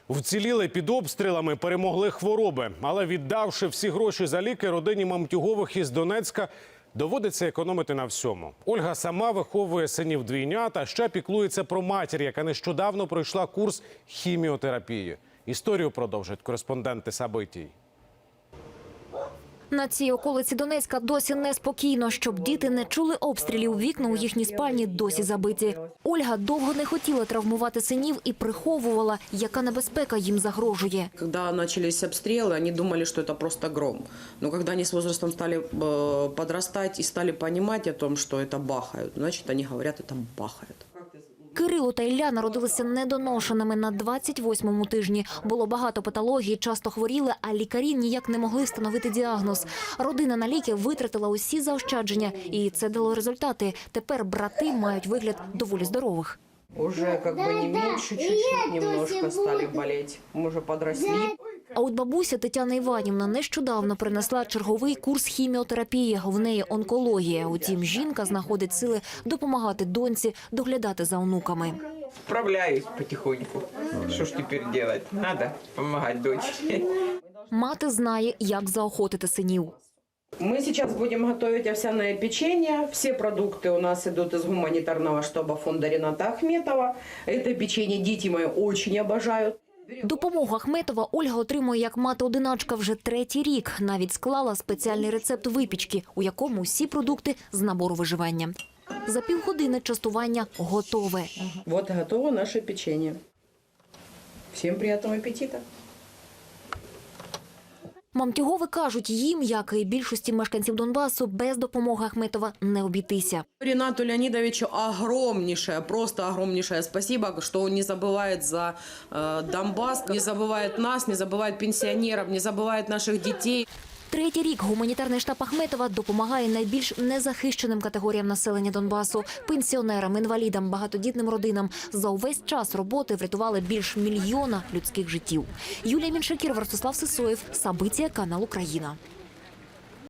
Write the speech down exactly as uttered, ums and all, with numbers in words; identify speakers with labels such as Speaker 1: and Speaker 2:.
Speaker 1: Вціліли під обстрілами, перемогли хвороби. Але віддавши всі гроші за ліки, родині Мамтюгових із Донецька доводиться економити на всьому. Ольга сама виховує синів двійнят, а ще піклується про матір, яка нещодавно пройшла курс хіміотерапії. Історію продовжать кореспонденти Сабитій.
Speaker 2: На цій околиці Донецька досі неспокійно. Щоб діти не чули обстрілів, вікна у їхній спальні досі забиті. Ольга довго не хотіла травмувати синів і приховувала, яка небезпека їм загрожує.
Speaker 3: Когда начались обстрелы, они думали, что это просто гром. Но когда они с возрастом стали подрастать и стали понимать о том, что это бахают, значит, они говорят, это бахают.
Speaker 2: Кирило та Ілля народилися недоношеними на двадцять восьмому тижні. Було багато патологій, часто хворіли, а лікарі ніяк не могли встановити діагноз. Родина на ліки витратила усі заощадження, і це дало результати. Тепер брати мають вигляд доволі здорових.
Speaker 3: Уже как бы не меньше, чуть-чуть немножко стали болеть. Мы уже подросли.
Speaker 2: А от бабуся Тетяна Іванівна нещодавно принесла черговий курс хіміотерапії. В неї онкологія. Утім, жінка знаходить сили допомагати доньці доглядати за онуками.
Speaker 4: Справляюсь потихоньку. Что ж теперь делать? Надо помогать дочке.
Speaker 2: Мати знає, як заохотити синів.
Speaker 3: Мы сейчас будем готовить овсяное печенье. Все продукты у нас идут из гуманитарного штаба фонда Рената Ахметова. Это печенье дети мои очень обожают.
Speaker 2: Допомогу Ахметова Ольга отримує як мати-одиначка вже третій рік. Навіть склала спеціальний рецепт випічки, у якому всі продукти з набору виживання. За півгодини частування готове.
Speaker 3: Вот и готово наше печенье. Всем приятного аппетита!
Speaker 2: Мамтюгови кажуть, їм, як і більшості мешканців Донбасу, без допомоги Ахметова не обійтися.
Speaker 3: Ренату Леонидовичу огромнейшее, просто огромнейшее спасибо, что он не забывает за э, Донбасс, не забывает нас, не забывает пенсионеров, не забывает наших детей.
Speaker 2: Третій рік гуманітарний штаб Ахметова допомагає найбільш незахищеним категоріям населення Донбасу – пенсіонерам, інвалідам, багатодітним родинам. За увесь час роботи врятували більш мільйона людських життів. Юлія Міншакірова, Ростислав Сисоєв, Сабиття, канал Україна.